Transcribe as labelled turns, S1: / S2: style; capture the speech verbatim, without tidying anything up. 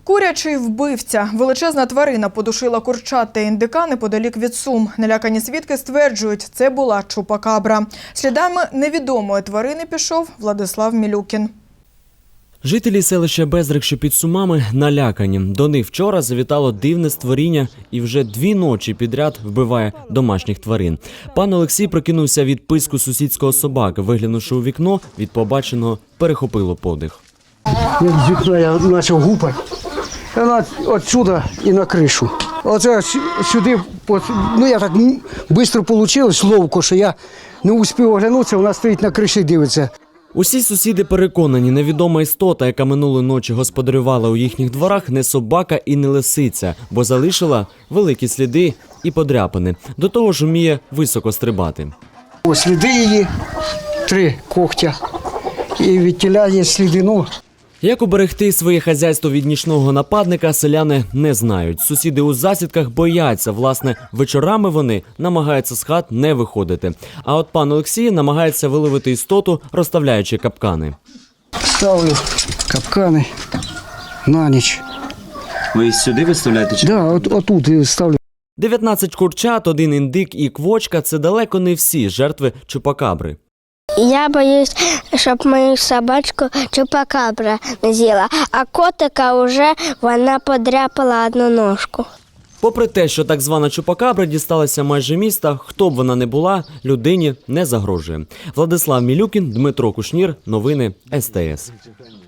S1: Курячий вбивця. Величезна тварина подушила курчат та індика неподалік від Сум. Налякані свідки стверджують, це була чупакабра. Слідами невідомої тварини пішов Владислав Мілюкін.
S2: Жителі селища Безрик, що під Сумами, налякані. До них вчора завітало дивне створіння і вже дві ночі підряд вбиває домашніх тварин. Пан Олексій прокинувся від писку сусідського собаки. Виглянувши у вікно, від побаченого перехопило подих.
S3: З вікна я почав гупати. Вона отсюда і на кришу. Оце сюди, ну я так швидко вийшло, ловко, що я не успів оглянутися, вона стоїть на криші і дивиться.
S2: Усі сусіди переконані, невідома істота, яка минулої ночі господарювала у їхніх дворах, не собака і не лисиця, бо залишила великі сліди і подряпини. До того ж вміє високо стрибати.
S3: Ось сліди її, три когтя, і від тіля є сліди, ну.
S2: Як уберегти своє хазяйство від нічного нападника, селяни не знають. Сусіди у засідках бояться. Власне, вечорами вони намагаються з хат не виходити. А от пан Олексій намагається виловити істоту, розставляючи капкани.
S3: Ставлю капкани на ніч.
S2: Ви сюди виставляєте?
S3: Так, да, от, отут ставлю.
S2: дев'ятнадцять курчат, один індик і квочка – це далеко не всі жертви чупакабри.
S4: Я боюсь, щоб мою собачку чупакабра не з'їла, а котика вже вона подряпала одну ножку.
S2: Попри те, що так звана чупакабра дісталася майже міста, хто б вона не була, людині не загрожує. Владислав Мілюкін, Дмитро Кушнір, новини ес те ес.